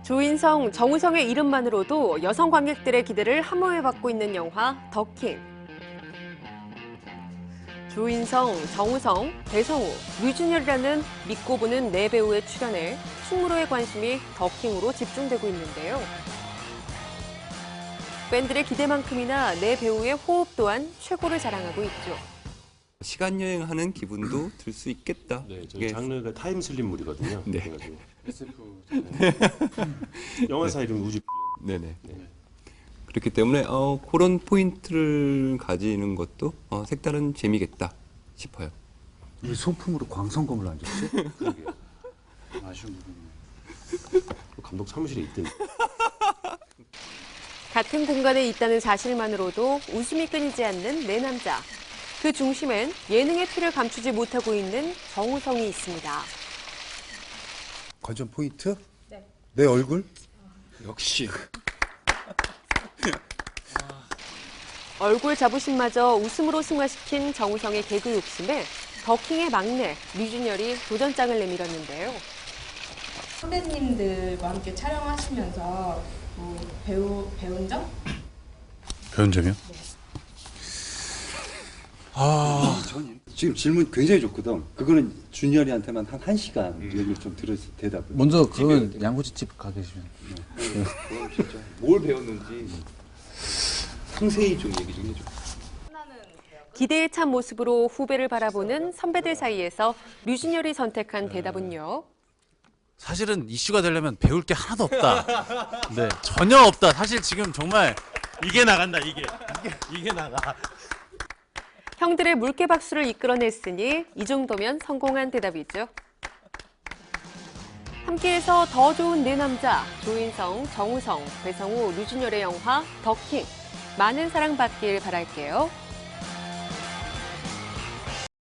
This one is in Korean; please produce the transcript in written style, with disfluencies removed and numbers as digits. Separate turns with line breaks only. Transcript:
조인성, 정우성의 이름만으로도 여성 관객들의 기대를 함호해받고 있는 영화 더킹. 조인성, 정우성, 배성우, 류준열이라는 믿고 보는 네 배우의 출연에 충무로의 관심이 더킹으로 집중되고 있는데요. 팬들의 기대만큼이나 네 배우의 호흡 또한 최고를 자랑하고 있죠.
시간 여행하는 기분도 들 수 있겠다.
네, 저희 장르가 타임슬립물이거든요.
네.
그래가지고 SF 영화사 이름 우주.
네네.
네.
그렇기 때문에 그런 포인트를 가지는 것도 색다른 재미겠다 싶어요.
이 소품으로 광선검을 안 줬지?
그러게요.
아쉬운 부분이네.
감독 사무실에 있던.
같은 공간에 있다는 사실만으로도 웃음이 끊이지 않는 네 남자. 그 중심엔 예능의 피를 감추지 못하고 있는 정우성이 있습니다.
관전 포인트? 네. 내 얼굴?
역시.
얼굴 자부심마저 웃음으로 승화시킨 정우성의 개그 욕심에 더킹의 막내 류준열이 도전장을 내밀었는데요.
선배님들과 함께 촬영하시면서 배운 점?
배운 점이요?
지금 질문 굉장히 좋거든. 그거는 준열이한테만 한 1시간 얘기를 좀 들어서 대답을.
먼저 그건 양꼬치집 가 계시면.
그럼 진짜 뭘 배웠는지 상세히 좀 얘기 좀 해줘.
기대에 찬 모습으로 후배를 바라보는 선배들 사이에서 류준열이 선택한 대답은요.
사실은 이슈가 되려면 배울 게 하나도 없다. 네, 전혀 없다. 사실 지금 정말 이게 나간다. 이게 나가.
형들의 물개 박수를 이끌어냈으니 이 정도면 성공한 대답이죠. 함께해서 더 좋은 네 남자, 조인성, 정우성, 배성우, 류준열의 영화 더킹. 많은 사랑받길 바랄게요.